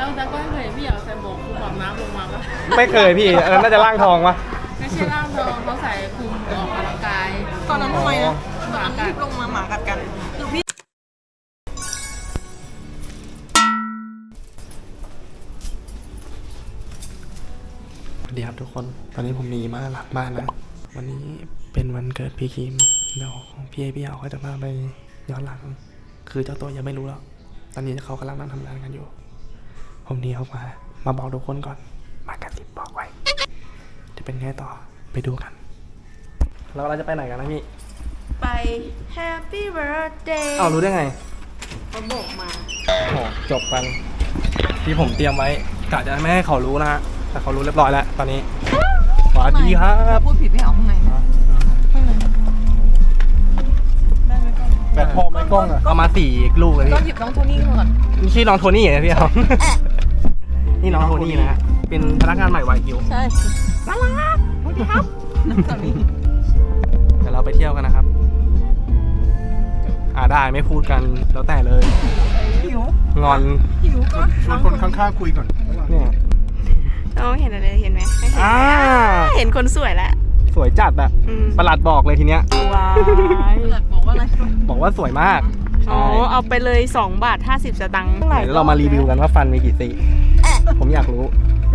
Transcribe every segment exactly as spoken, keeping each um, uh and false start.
แล้วแต่ก็ไม่เคยพี่อยากใส่หมวกคลุมแบบน้ำลงมาปะไม่เคยพี่อันนั้นน่าจะร่างทองวะไม่ใช่ร่างทองเขาใส่คลุมออกกำลังกายตอนนั้นทำไมนะหมากัดลงมาหมากัดกันหรือพี่สวัสดีครับทุกคนตอนนี้ผมหนีมาหลังบ้านแล้ววันนี้เป็นวันเกิดพี่คิมเดี๋ยวพี่เอพี่เอาเขาจะพาไปย้อนหลังคือเจ้าตัวยังไม่รู้แล้วตอนนี้เขากำลังนั่งทำงานกันอยู่ผมหนีออกมามาบอกทุกคนก่อนมากระซิบบอกไว้จะเป็นไงต่อไปดูกันแล้วเราจะไปไหนกันนะพี่ไป Happy Birthday เอารู้ได้ไงเขาบอกมาโอ้จบกันที่ผมเตรียมไว้กะจะไม่ให้เขารู้นะฮะแต่เขารู้เรียบร้อยแล้วตอนนี้สวัสดีครับพูดผิดไม่เอาข้างในข้างในได้ไหมกล้องแบตพอไหมกล้องอะเอามาสี่ลูกเลยก็หยิบน้องโทนี่ก่อนนี่ชื่อน้องโทนี่เหรอพี่เอานี่น้องโทนี่นะฮะเป็นพนักงานใหม่วายคิวใช่น่ารักสวัสดีครับน้องโทนี่เดี๋ยวเราไปเที่ยวกันนะครับอ่าได้ไม่พูดกันแล้วแต่เลยหิวงอนหิวก็ชวนคนข้างๆคุยก่อนเนี่ยน้องเห็นอะไรเห็นไหมไม่เห็นเห็นคนสวยแล้วสวยจัดอะประหลัดบอกเลยทีเนี้ยว้ายประหลัดบอกว่าอะไรบอกว่าสวยมากอ๋อเอาไปเลยสองบาทห้าสิบสตางค์เดี๋ยวเรามารีวิวกันว่าฟันมีกี่ซี่ผมอยากรู้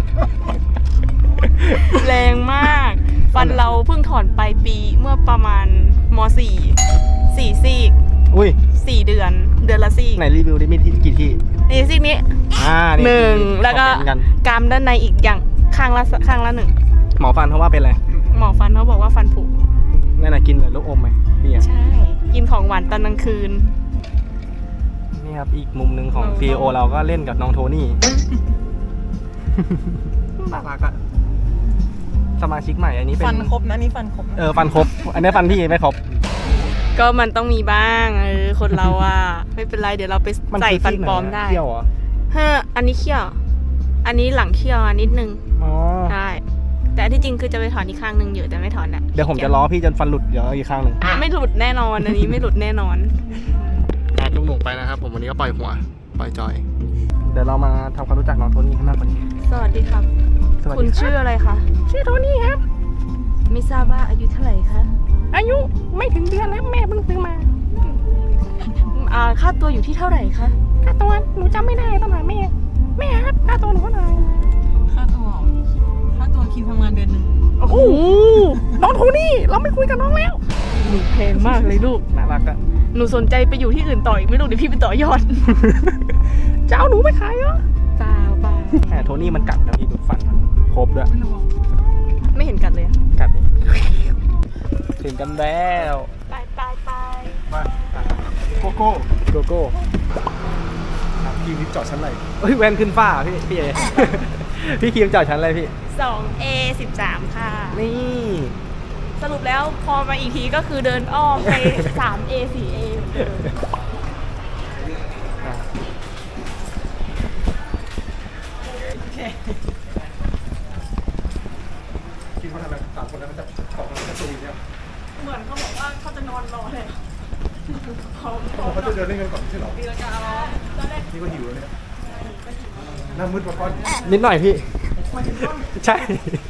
แรงมากฟันเราเพิ่งถอนไปปีเมื่อประมาณม.สี่ สี่ซี่อุ้ยสี่เดือนเดือนละซี่ไหนรีวิวได้มีที่กี่ที่นี่ซี่นี้อ่าหนึ่งแล้วก็กรามด้านในอีกอย่างข้างละข้างละหนึ่งหมอฟันเขาว่าเป็นอะไรหมอฟันเขาบอกว่าฟันผุนั่นน่ะกินเลยลูกอมไหมเบียร์ใช่กินของหวานตอนกลางคืนนี่ครับอีกมุมหนึ่งของซีอีโอเราก็เล่นกับน้องโทนี่น่ารักอะสมาชิกใหม่อันนี้เป็นฟันครบนะนี่ฟันครบเออฟันครบอันนี้ฟันพี่ไม่ครบก็มันต้องมีบ้างเออคนเราอะไม่เป็นไรเดี๋ยวเราไปใส่ฟันปลอมได้เขี้ยวเหรอเฮ้ออันนี้เขี้ยวอันนี้หลังเขี้ยวนิดนึงอ๋อใช่แต่ที่จริงคือจะไปถอนอีกข้างนึงอยู่แต่ไม่ถอนอะเดี๋ยวผมจะล้อพี่จนฟันหลุดเดี๋ยวอีกข้างหนึ่งไม่หลุดแน่นอนอันนี้ไม่หลุดแน่นอนลุงหนุ่มไปนะครับผมวันนี้ก็ปล่อยหัวปล่อยจอยเดี๋ยวเรามาทำความรู้จักน้องโทนี่กันมากกว่านี้สวัสดีครับคุณชื่ออะไรคะชื่อโทนี่ครับไม่ทราบว่าอายุเท่าไหร่คะอายุไม่ถึงเดือนแล้วแม่เพิ่งซื้อมาอ่าค่าตัวอยู่ที่เท่าไหร่คะค่าตัวหนูจำไม่ได้ต้องถามแม่แม่ครับค่าตัวหนูเท่าไหร่ค่าตัวค่าตัวคิวทำงานเดือนหนึ่งโอ้โหน้องโทนี่เราไม่คุยกับน้องแล้วหนูแพงมากเลยลูกน่ารักอะหนูสนใจไปอยู่ที่อื่นต่ออีกไม่รู้เดี๋ยวพี่ไปต่อยอดจะเอาหนูไปขายเหรอเปล่าเปล่าแต่โทนี่มันกัดนะพี่ดูฟันมันครบด้วยไม่เห็นกัดเลยกัดถึงกันแล้วไปไปไปมาโกโก้โกโก้พี่นิดจอดชั้นไหนเฮ้ยแวนขึ้นฟ้าพี่พี่เอพี่คิมจอดชั้นอะไรพี่สองเอสิบสามค่ะนี่สรุปแล้วพอมาอีกทีก็คือเดินอ้อมไปสามเอสี่เอคิดว่าทำไมสามคนนั้นมันจะขอบมันจะสูงเนี่ยเหมือนเขาบอกว่าเขาจะนอนรอเลยเขาจะเดินเล่นกันก่อนใช่หรอดีแล้วกันนี่ก็หิวแล้วเนี่ยหน้ามืดมาก้อนนิดหน่อยพี่ใช่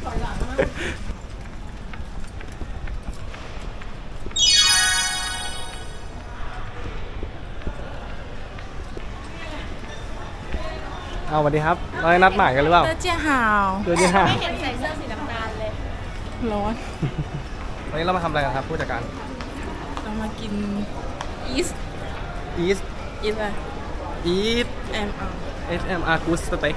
เอาสวัสดีครับเราได้นัดหมายกันหรือเปล่าเจอเจ้าหาวเจอเจ้าหาวไม่เห็นใส่เสื้อสีน้ำตาลเลยร้อนวันนี้เรามาทำอะไรกันครับผู้จัดการเรามากินอีสอีสอีสอะไรอีสเอ็ม อาร์เอส เอ็ม อาร์ Good Steak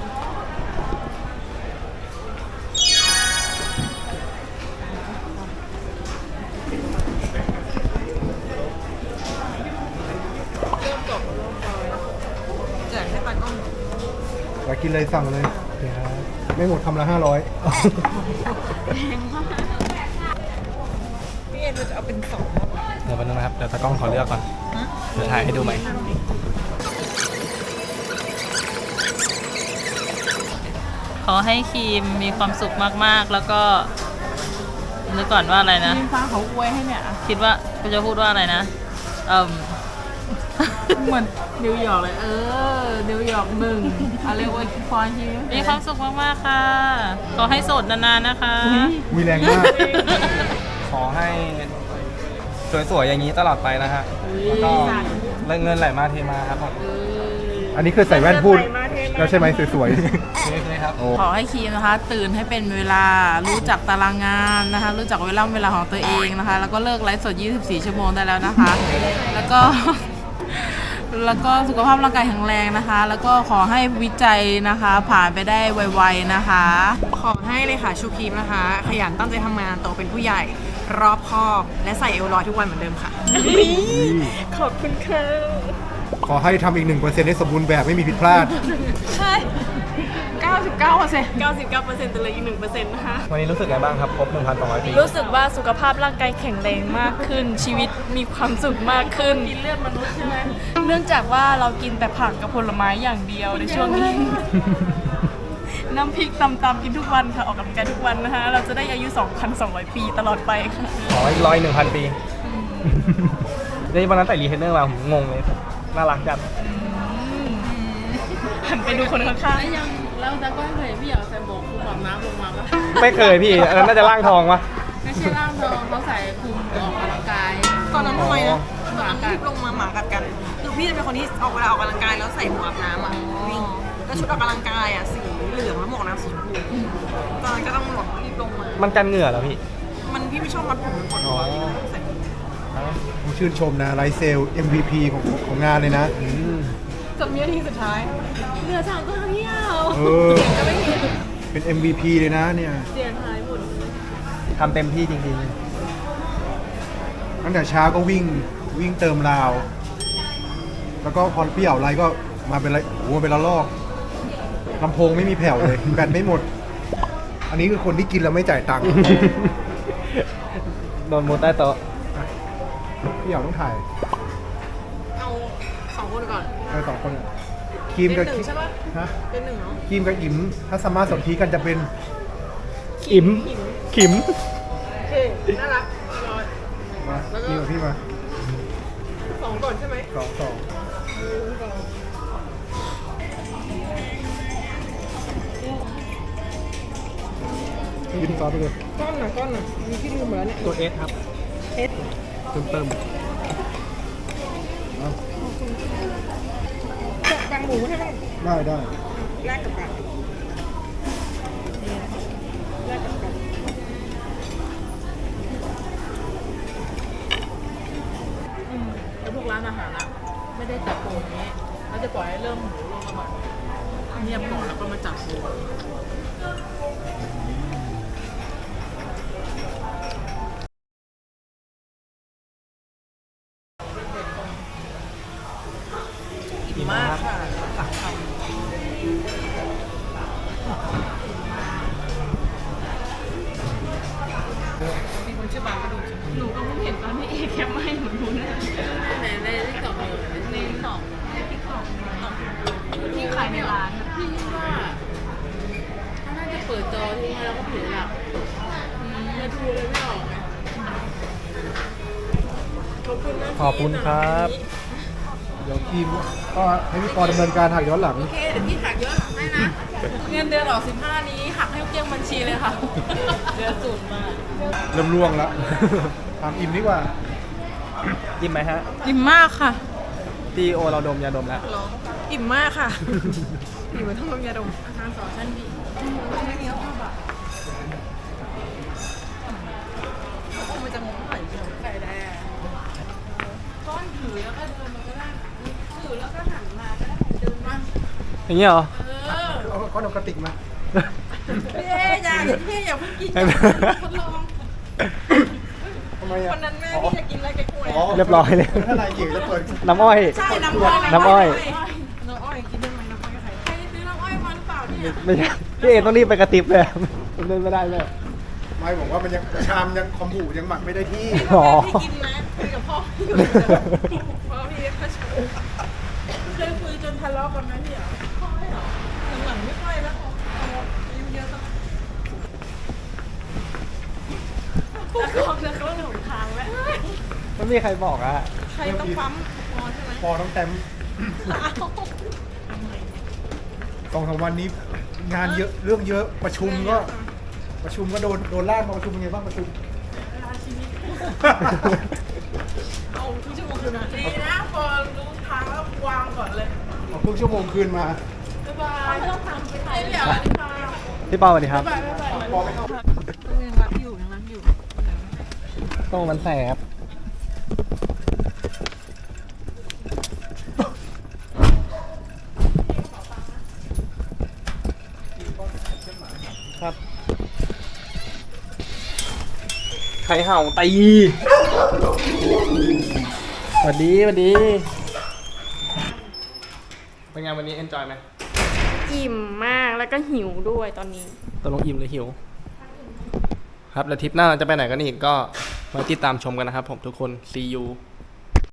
อยากกินเลยสั่งเลยไม่หมดคำละห้าร้อยพี่เอ็นจะเอาเป็นสองเดี๋ยวไปดูนะครับเดี๋ยวตากล้องขอเลือกก่อนเดี๋ยวถ่ายให้ดูไหมขอให้ครีมมีความสุขมากๆแล้วก็นึกก่อนว่าอะไรนะครีมฟ้าเขาอวยให้เนี่ยคิดว่ากูจะพูดว่าอะไรนะเอ่อเหมือนนิวยอร์กเลย เออ นิวยอร์กหนึ่งอะไรวะพรชีวิตมีความสุขมากๆค่ะ ขอให้โสดนานๆนะคะมีแรงมากขอให้สวยๆอย่างนี้ตลอดไปนะฮะแล้วก็เงินไหลมาเทมาครับผมอันนี้คือใส่แว่นพูดแล้วใช่ไหมสวยนี่ครับขอให้คีมนะคะ ตื่นให้เป็นเวลา รู้จักตารางงานนะคะ รู้จักเวลาเวลาของตัวเองนะคะ แล้วก็เลิกไลฟ์สด ยี่สิบสี่ ชั่วโมงได้แล้วนะคะ แล้วก็ แล้วก็สุขภาพร่างกายแข็งแรงนะคะ แล้วก็ขอให้วิจัยนะคะ ผ่านไปได้ไวๆนะคะขอให้เลยค่ะชูครีมนะคะ ขยันตั้งใจทำงานโตเป็นผู้ใหญ่รอบคอบ และใส่เอวลอยทุกวันเหมือนเดิมค่ะขอบคุณค่ะๆ ขอให้ทำอีกหนึ่งเปอร์เซ็นต์ให้สมบูรณ์แบบไม่มีผิดพลาดใช่ เก้าสิบเก้าเปอร์เซ็นต์ เก้าสิบเก้าเปอร์เซ็นต์แต่เหลยอีกหนึ่งเปอร์เซ็นต์นะคะวันนี้รู้สึกไงบ้างครับครบ หนึ่งพันสองร้อย ปีรู้สึกว่าสุขภาพร่างกายแข็งแรงมากขึ้น ชีวิตมีความสุขมากขึ้นกินเลือดมนุษย์ใช่ไหมเนื่องจากว่าเรากินแต่ผักกับผลไม้อย่างเดียวในช่วงนี้ น้ำพริกตำๆกินทุกวันค่ะ ออกกำลังกายทุกวันนะคะ เราจะได้อายุ สองพันสองร้อย ปีตลอดไปค่ะขออีกร้อยหนึ่งพันปีนี่วันนั้นใส่รีเทนเนอร์มาผมงงเลยน่ารักจังหันไปดูคนข้างๆยังแล้วแต่ก็เคยพี่อยากใส่หมวกคลุมอาบน้ำลงมาปะไม่เคยพี่อันนั้นน่าจะร่างทองปะไม่ใช่ร่างทองเขาใส่คลุมออกกำลังกายตอนนั้นทำไมนะหมากัดรีบลงมาหมากัดกัน คือพี่จะเป็นคนที่ออกเวลาออกกำลังกายแล้วใส่หมวกอาบน้ำอ่ะวิ่งแล้วชุดออกกำลังกายอ่ะสีเหลืองแล้วหมวกน้ำสีชมพูตอนนั้นก็ต้องหมวกรีบลงมามันกันเหงื่อเหรอพี่มันพี่ไม่ชอบมัดผมมันปวดหัวพี่ก็ใส่ผมชื่นชมนะไลฟ์เซล เอ็ม วี พี ของของงานเลยนะจนวินาทีสุดท้ายเหลือสามตัวเดียวเออ เป็น เอ็ม วี พี เลยนะเนี่ยเสียงหายหมดทำเต็มที่จริงตั้งแต่เช้าก็วิ่งวิ่งเติมราว แล้วก็พอพี่เอาไรก็มาเป็นไรโอ้โหเป็นละลอกลำโพงไม่มีแผ่วเลย แบตไม่หมด อันนี้คือคนที่กินแล้วไม่จ่ายตังค์ๆ โดนมุดใต้โต๊ะพี่เอาต้องถ่ายเอาสองคนก่อนเออสองคนอะครีมกับเป็นหนึ่งใช่ปะฮะเป็นหนึ่งเนาะครีมกับอิ๋มถ้าสามารถสนธิกันจะเป็นอิ๋มขิมโอเค น่ารักรอมาครีมกับพี่มาสองก่อนใช่ไหมสองสองกินซอสไปเลยก้อนหน่ะก้อนหน่ะมีที่ลืมหมดแล้วเนี่ยตัวเอสครับเอสเติมเติมแบ่งหมูให้บ้างได้ได้แลกกับกันแลกกับกันแล้วพวกร้านอาหารอะไม่ได้จับโปรนี้เขาจะปล่อยให้เริ่มหมูลงมาก่อนเงียบก่อนแล้วก็มาจับโปรอิ่มมากค่ะตักคมีคนชื่อบางก็ดูหนูก็เพิ่งเห็นตอนที่เอแคปมาให้หนูดูนะในในติ๊กต็อกเลยในติ๊กต็อกในติ๊กต็อกที่ขายในร้านอะพี่ว่าเขาน่าจะเปิดจอทิ้งไว้แล้วก็ถือหลับแล้วดูเลยไม่ออกไงำขอบคุณนะขอบคุณครับเดี๋ยวครีมก็ให้พี่ปอดำเนินการถ่ายย้อนหลังโอเคเดี๋ยวพี่หักเยอะให้นะเงินเดือนออกสิบห้านี้หักให้เกลี้ยงบัญชีเลยค่ะเดือดสุดมากเริ่มล่วงแล้ว ถามอิมดีกว่ายิ้มไหมฮะอิ่มมากค่ะดีโอเราดมยาดมแล้วอิ่มมากค่ะ อิ่มเหมือนต้องดมยาดมอาหารสองชั้นดีไม่มีข้าวผัดอ่ะมันจะงงไข่ไข่แดงก้อนถือแล้วก็เดินมาก็ได้ถือแล้วก็หันมาก็ได้เดินมาอย่างเงี้ยเหรอเอาก้อนเอากระติกมาพี่เอ๊อย่าอย่าพี่อย่าเพิ่งกินไม่อย่าเป็นไรทดลองทำไมอ่ะวันนั้นแม่พี่จะกินอะไรแกกล้วยอ๋อเรียบร้อยเลยถ้านายเก่งจะเปิดน้ำอ้อยใช่น้ำอ้อยน้ำอ้อยน้ำอ้อยกินได้ไหมน้ำอ้อยใครใครซื้อน้ำอ้อยมาหรือเปล่าเนี่ยไม่ใช่พี่เอต้องรีบไปกระติบเลยผมเดินไม่ได้เลยไม่บอกว่ามันยังชามยังคอมบูยังหมักไม่ได้ที่อ๋อพี่กินนะคุยกับพ่อพี่อยู่พ่อพี่ก็ชอบเคยคุยจนทะเลาะกันนะพี่เหรอพ่อไม่เหรอหลังๆไม่ค่อยแล้วอายุเยอะแล้วแล้วก็แล้วก็หลงทางแล้วไม่มีใครบอกอะใครต้องปั๊มพอใช่ไหมปอต้องแต้มสองสามวันนี้งานเยอะเรื่องเยอะประชุมก็ประชุมก็โดนโดนลากมาประชุมเป็นไงบ้างประชุมเอาทุกชั่วโมงคืนนะดีนะพอรู้ทางแล้ววางก่อนเลยเอาครึ่งชั่วโมงคืนมาบ๊ายบายไม่ต้องทำไปไหนเดี๋ยวสวัสดีค่ะพี่ปอสวัสดีครับบ๊ายบายบ๊ายบายปอไม่เข้ายังรักอยู่ยังรักอยู่โต้มันแสบครับใครเห่าตีสวัสดีสวัสดี เป็นไงวันนี้เอนจอยไหมอิ่มมากแล้วก็หิวด้วยตอนนี้ตกลงอิ่มหรือหิว ครับ แล้วทริปหน้าเราจะไปไหนกันอีกก็มาติดตามชมกันนะครับผมทุกคน see you